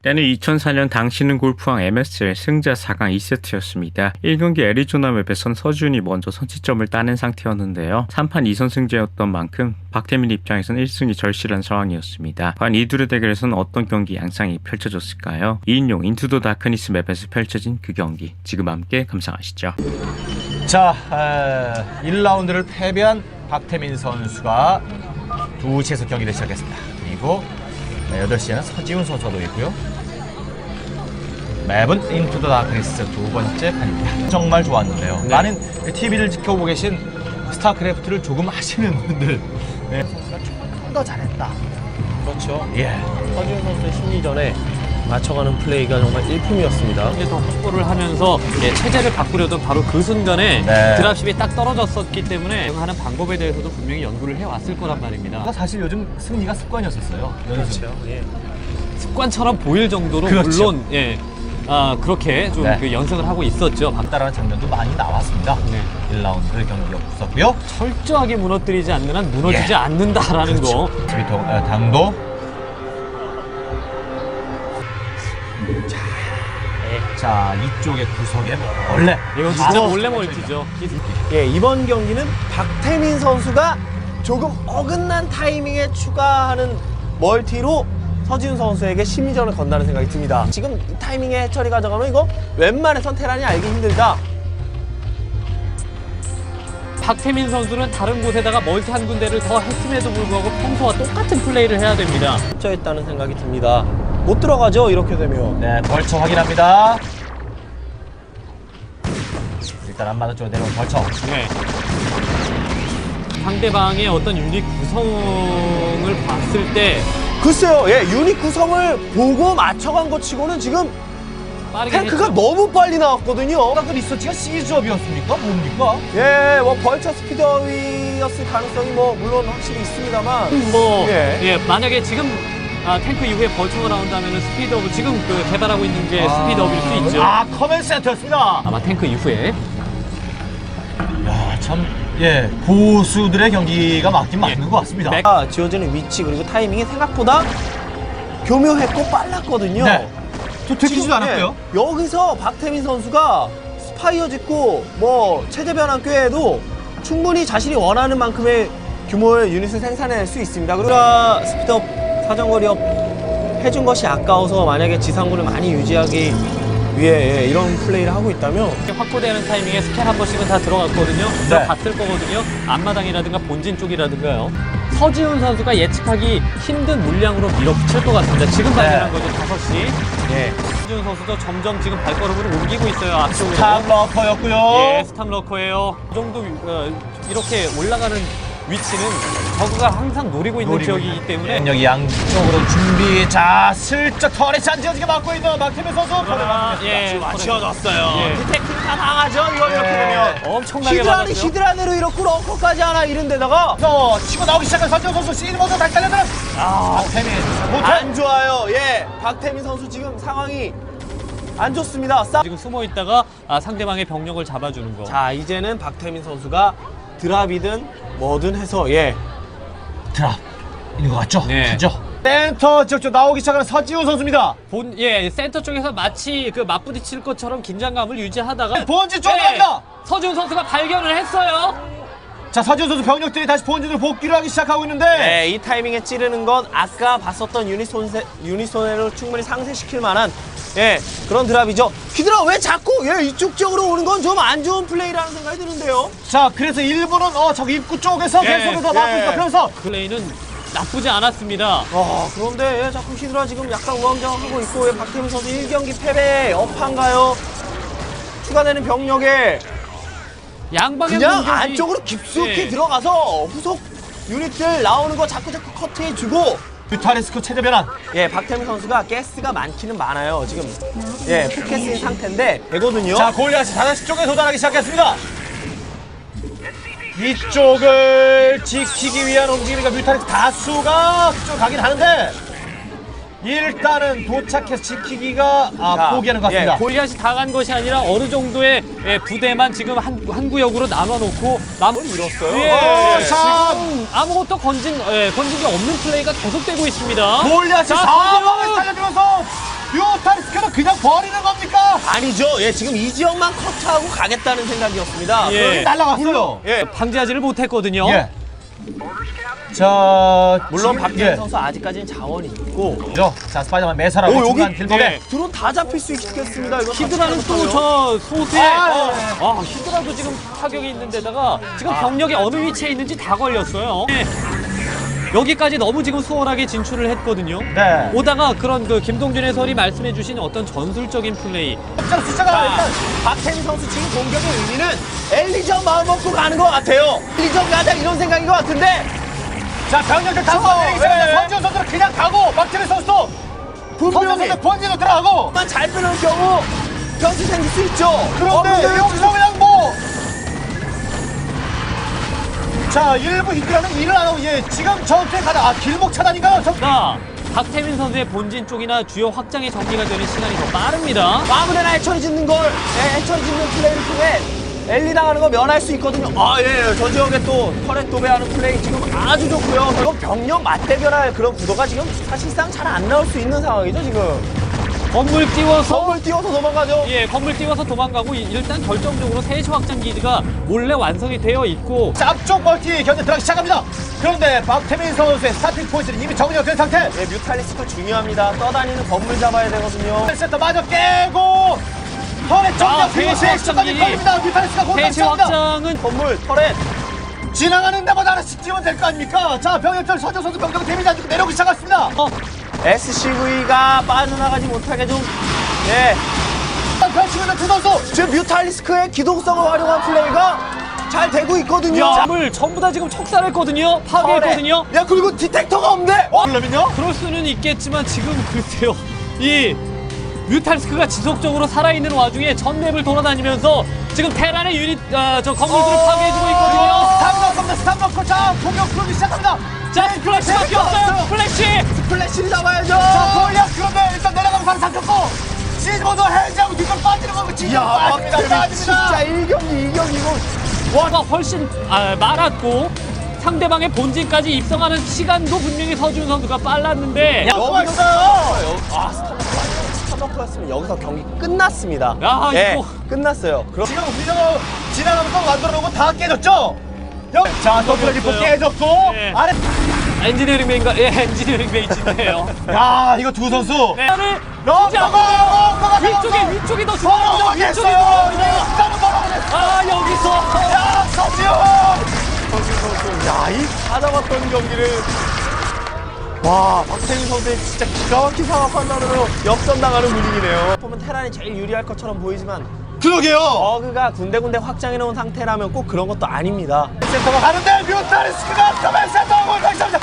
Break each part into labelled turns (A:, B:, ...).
A: 때는 2004년 당신은 골프왕 MSL 승자 4강 2세트였습니다. 1경기 애리조나 맵에선 서준이 먼저 선취점을 따낸 상태였는데요. 3판 2선 승제였던 만큼 박태민 입장에선 1승이 절실한 상황이었습니다. 과연 이 둘의 대결에서는 어떤 경기 양상이 펼쳐졌을까요? 2인용 인투 더 다크니스 맵에서 펼쳐진 그 경기 지금 함께 감상하시죠.
B: 자, 1라운드를 패배한 박태민 선수가 2시에서 경기를 시작했습니다. 그리고 8시에는 서지훈 선수도 있고요. 맵은 인투 더 다크니스 두 번째 판입니다. 정말 좋았는데요.
C: 네.
B: 많은 TV를 지켜보고 계신 스타크래프트를 조금 하시는 분들 선수가 조금 더 잘했다.
C: 그렇죠.
B: 예.
C: 서지훈 선수의 심리전에 맞춰가는 플레이가 정말 일품이었습니다.
D: 이제 더 확보를 하면서 체제를 바꾸려던 바로 그 순간에
B: 네.
D: 드랍십이 딱 떨어졌었기 때문에 하는 방법에 대해서도 분명히 연구를 해왔을 거란 말입니다.
B: 사실 요즘 승리가 습관이었었어요. 연습.
C: 그렇죠. 예.
D: 습관처럼 보일 정도로
B: 그렇죠.
D: 물론 그렇게 좀
B: 네.
D: 그 연습을 하고 있었죠.
B: 따라하는 장면도 많이 나왔습니다.
D: 네.
B: 1라운드 경기였었고요.
D: 철저하게 무너뜨리지 않는 한 무너지지 않는다라는 거.
B: 당도. 자, 이쪽의 구석에 원래
D: 이거 진짜 몰래 멀티죠.
C: 예, 이번 경기는 박태민 선수가 조금 어긋난 타이밍에 추가하는 멀티로 서지훈 선수에게 심리전을 건다는 생각이 듭니다. 지금 이 타이밍에 해처리 가져가면 이거 웬만해선 테란이 알기 힘들다.
D: 박태민 선수는 다른 곳에다가 멀티 한 군데를 더 했음에도 불구하고 평소와 똑같은 플레이를 해야 됩니다.
C: 했다는 생각이 듭니다. 못 들어가죠, 이렇게 되면.
B: 네, 벌처 확인합니다. 일단 안마당 쪽으로 내려온 벌처.
D: 네. 상대방의 어떤 유닛 구성을 봤을 때
C: 글쎄요, 예, 유닛 구성을 보고 맞춰간 것 치고는 지금
D: 빠르게
C: 탱크가
D: 했죠.
C: 너무 빨리 나왔거든요.
B: 그 리서치가 시즈업이었습니까? 뭡니까?
C: 예, 뭐 벌처 스피더위였을 가능성이 뭐 물론 확실히 있습니다만.
D: 뭐
C: 예.
D: 만약에 지금 탱크 이후에 벌처가 나온다면 스피드업 지금 그 개발하고 있는 게 스피드업일 수 있죠.
B: 커맨 센터였습니다.
D: 아마 탱크 이후에
B: 야, 참, 예, 고수들의 경기가 맞긴 맞는 것 같습니다.
C: 가 지어지는 위치 그리고 타이밍이 생각보다 교묘했고 빨랐거든요.
B: 네. 저 들키지도 않았고요.
C: 예, 여기서 박태민 선수가 스파이어 짓고 뭐 체제 변환 꾀해도 충분히 자신이 원하는 만큼의 규모의 유닛을 생산해낼 수 있습니다. 그리고 스피드업 사정거리업 해준 것이 아까워서 만약에 지상군을 많이 유지하기 위해 예, 이런 플레이를 하고 있다면
D: 확보되는 타이밍에 스캔 한 번씩은 다 들어갔거든요. 들어갔을 거거든요. 앞마당이라든가 본진 쪽이라든가요. 서지훈 선수가 예측하기 힘든 물량으로 밀어붙일 것 같습니다. 지금 발견한 거죠, 5시.
C: 예.
D: 서지훈 선수도 점점 지금 발걸음을 옮기고 있어요, 앞쪽으로.
B: 탑러커였고요.
D: 예, 스탑 러커예요. 이 정도 이렇게 올라가는 위치는 저그가 항상 노리고 있는 지역이기 때문에
B: 여기 양쪽으로 준비. 자, 슬쩍 턴에 잔지어지게 막고 있는 박태민 선수.
D: 맞춰졌어요. 예.
C: 디텍팅 다 당하죠. 이거 이렇게 되면
D: 엄청나게
C: 히드라는
D: 맞았어요.
C: 히드라내로 이렇고 럭커까지 하나 이런 데다가
B: 또 치고 나오기 시작한 서지훈 선수. 시즌 먼저 다시 달려드는 박태민.
C: 안 좋아요. 예, 박태민 선수 지금 상황이 안 좋습니다.
D: 지금 숨어 있다가 상대방의 병력을 잡아주는 거.
C: 자, 이제는 박태민 선수가 드랍이든 뭐든 해서 예,
B: 드랍 있는 것 같죠?
D: 네.
B: 하죠. 센터 지역 쪽 나오기 시작하는 서지훈 선수입니다.
D: 센터 쪽에서 마치 그 맞부딪힐 것처럼 긴장감을 유지하다가
B: 본진 쪽으로 갑니다.
D: 서지훈 선수가 발견을 했어요.
B: 자, 서지훈 선수 병력들이 다시 본진으로 복귀를 하기 시작하고 있는데
C: 네, 이 타이밍에 찌르는 건 아까 봤었던 유닛 손해를 충분히 상쇄시킬 만한 예, 그런 드랍이죠. 히드라 왜 자꾸 예, 이쪽 지역으로 오는 건 좀 안 좋은 플레이라는 생각이 드는데요.
B: 자, 그래서 일본은 저기 입구 쪽에서 계속해서 막고 있다. 그래서
D: 플레이는 나쁘지 않았습니다.
C: 그런데 예, 자꾸 히드라 지금 약간 우왕좌왕하고 있고 예, 박태민 선수 1경기 패배 업한가요? 추가되는 병력에
D: 양방향
C: 그냥
D: 공격이
C: 안쪽으로 깊숙이
D: 예.
C: 들어가서 후속 유닛들 나오는 거 자꾸 커트해주고
B: 뮤타리스크 체제 변환.
C: 예, 박태민 선수가 가스가 많기는 많아요. 지금 예, 포켓인 상태인데 되거든요.
B: 자, 골리앗이 5시 쪽에 도달하기 시작했습니다. 이쪽을 지키기 위한 움직임이니까 뮤타리스크 다수가 그쪽 가긴 하는데 일단은 도착해서 지키기가 포기하는 것 같습니다.
D: 골리앗이 당한 것이 아니라 어느 정도의 부대만 지금 한 구역으로 나눠놓고 남을 잃었어요.
B: 자,
D: 지금 아무것도 건진 게 없는 플레이가 계속되고 있습니다.
B: 골리앗이
D: 자,
B: 4방을 살려주면서 뮤탈리스크는 그냥 버리는 겁니까?
C: 아니죠. 예, 지금 이 지역만 커트하고 가겠다는 생각이었습니다.
D: 예.
B: 날라갔어요.
C: 예,
D: 방지하지를 못했거든요.
B: 예. 자,
C: 물론
B: 지금,
C: 박태민
B: 예.
C: 선수 아직까지는 자원이 있고.
B: 자, 스파이더만 매사라고
C: 오,
B: 중간
C: 여기
B: 길목에.
D: 예.
C: 드론 다 잡힐 수 있겠습니다. 이거
D: 히드라는
C: 같이
D: 또 저 소수의
B: 아,
D: 히드라도 지금 타격이 있는 데다가 지금 병력이 어느 위치에 있는지 다 걸렸어요. 네. 여기까지 너무 지금 수월하게 진출을 했거든요.
B: 네.
D: 오다가 그런 그 김동준 해설이 말씀해주신 어떤 전술적인 플레이.
B: 숫자가
C: 자,
B: 일단
C: 박태민 선수 지금 공격의 의미는 엘리전 마음 먹고 가는 것 같아요. 엘리전 가자 이런 생각인 것 같은데.
B: 자, 병력들 다 쏘아내리기 시작합니다.
C: 예.
B: 선지훈 선수는 그냥 가고 박태민 선수도 선지훈 선수 본진으로 들어가고
C: 만 잘 빼놓을 경우 변수 생길 수 있죠.
B: 그런데
C: 근데
B: 여기서 그냥 뭐 자, 일부 히드라는 일을 안 하고 지금 저렇게 가다 길목 차단인가요?
D: 자, 박태민 선수의 본진 쪽이나 주요 확장이 정리가 되는 시간이 더 빠릅니다.
C: 아무데나 해처리 짓는 걸, 해처리 짓는 플레이를 통해 엘리 당하는 거 면할 수 있거든요. 아, 예, 저 지역에 또 터렛 도배하는 플레이 지금 아주 좋고요. 그리고 병력 맞대결할 그런 구도가 지금 사실상 잘 안 나올 수 있는 상황이죠, 지금.
D: 건물 띄워서
C: 선물 띄워서 도망가죠.
D: 예, 건물 띄워서 도망가고 일단 결정적으로 3시 확장 기지가 몰래 완성이 되어 있고
B: 자, 앞쪽 멀티 견제 들어가기 시작합니다. 그런데 박태민 선수의 스타팅 포인트는 이미 정리가 된 상태.
C: 예, 뮤탈리스크 중요합니다. 떠다니는 건물 잡아야 되거든요.
B: 세터 마저 깨고 턴의 정력 그리고
D: 대시
B: 세시까지
D: 확장기.
B: 걸립니다. 뮤탈리스크가 공격
D: 3시
B: 시작합니다.
D: 확장은
C: 건물, 터렛.
B: 지나가는 데마다 하나씩 지면 될 거 아닙니까? 자, 병력들 서정 선수 병력은 데미지 안 주고 내려오기 시작했습니다.
C: SCV가 빠져나가지 못하게 좀, 예.
B: 펼치고 있는 두 선수.
C: 지금 뮤탈리스크의 기동성을 활용한 플레이가 잘 되고 있거든요.
D: 건물 전부 다 지금 척살했거든요. 파괴했거든요.
C: 야, 그리고 디텍터가 없네.
B: 그러면요?
D: 그럴 수는 있겠지만 지금 글쎄요. 이 뮤탈스크가 지속적으로 살아있는 와중에 전맵을 돌아다니면서 지금 테란의 유닛 저 건물들을 파괴해주고 있거든요.
B: 스탑 넣습니다. 스탑 넣고 자, 공격 풀기 시작합니다.
D: 자, 스플래시밖에 없어요. 스플래시.
C: 플래시를 잡아야죠.
B: 자, 골리앗 그런데 일단 내려가면 바로 잡혔고 시즈모도 해제하고 뒷걸 빠지는 거고 지금 빠집니다. 빠집니다.
C: 진짜 1경기, 2경기고.
D: 와가 훨씬 많았고 상대방의 본진까지 입성하는 시간도 분명히 서준 선수가 빨랐는데
B: 너무 있어요.
C: 스타버프였으면 여기서 경기 끝났습니다.
D: 야,
C: 예,
D: 이거.
C: 끝났어요. 그럼
B: 지금 우리가 지나가면서 만들어 놓은 거 다 깨졌죠? 여기 자, 더블 리포 깨졌고
D: 네.
B: 아래
D: 엔지니어링 베인가 예 엔지니어링 베이지인데요.
B: 야, 이거 두 선수
D: 를
B: 넘어가
D: 위쪽이 더 중요합니다. 위쪽이
B: 벌어보겠어요. 이거 스타는 벌어보겠어요.
D: 여기서
B: 야, 서지훈.
C: 야, 이 찾아봤던 경기를 와, 박태민 선수의 진짜 기가 막힌 상황 판단으로 역전당하는 분위기네요. 보면 테란이 제일 유리할 것처럼 보이지만
B: 그러게요.
C: 버그가 군데군데 확장해놓은 상태라면 꼭 그런 것도 아닙니다.
B: 센터가 가는데 뮤타리스크가 더블 센터 골 당첨자.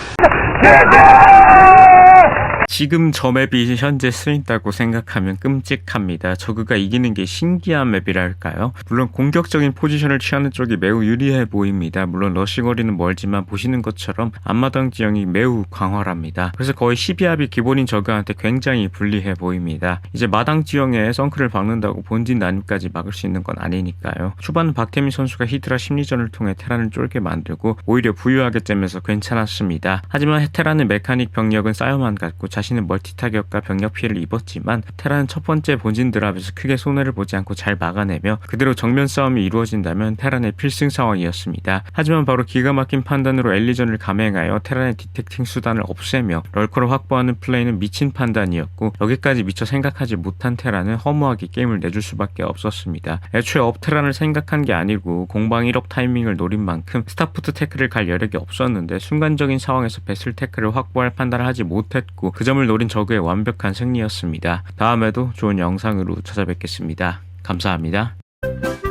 A: 지금 저 맵이 현재 쓰인다고 생각하면 끔찍합니다. 저그가 이기는 게 신기한 맵이랄까요? 물론 공격적인 포지션을 취하는 쪽이 매우 유리해 보입니다. 물론 러시거리는 멀지만 보시는 것처럼 앞마당 지형이 매우 광활합니다. 그래서 거의 12합이 기본인 저그한테 굉장히 불리해 보입니다. 이제 마당 지형에 선크를 박는다고 본진 난입까지 막을 수 있는 건 아니니까요. 초반 박태민 선수가 히드라 심리전을 통해 테란을 쫄게 만들고 오히려 부유하게 째면서 괜찮았습니다. 하지만 테란의 메카닉 병력은 쌓여만 갔고 자신은 멀티 타격과 병력 피해를 입었지만 테란은 첫 번째 본진 드랍에서 크게 손해를 보지 않고 잘 막아내며 그대로 정면 싸움이 이루어진다면 테란의 필승 상황이었습니다. 하지만 바로 기가 막힌 판단으로 엘리전을 감행하여 테란의 디텍팅 수단을 없애며 럴커를 확보하는 플레이는 미친 판단이었고 여기까지 미처 생각하지 못한 테란은 허무하게 게임을 내줄 수밖에 없었습니다. 애초에 업테란을 생각한 게 아니고 공방 1업 타이밍을 노린 만큼 스타포트 태클을 갈 여력이 없었는데 순간적인 상황에서 배슬 태클을 확보할 판단을 하지 못했고 그 점을 노린 저그의 완벽한 승리였습니다. 다음에도 좋은 영상으로 찾아뵙겠습니다. 감사합니다.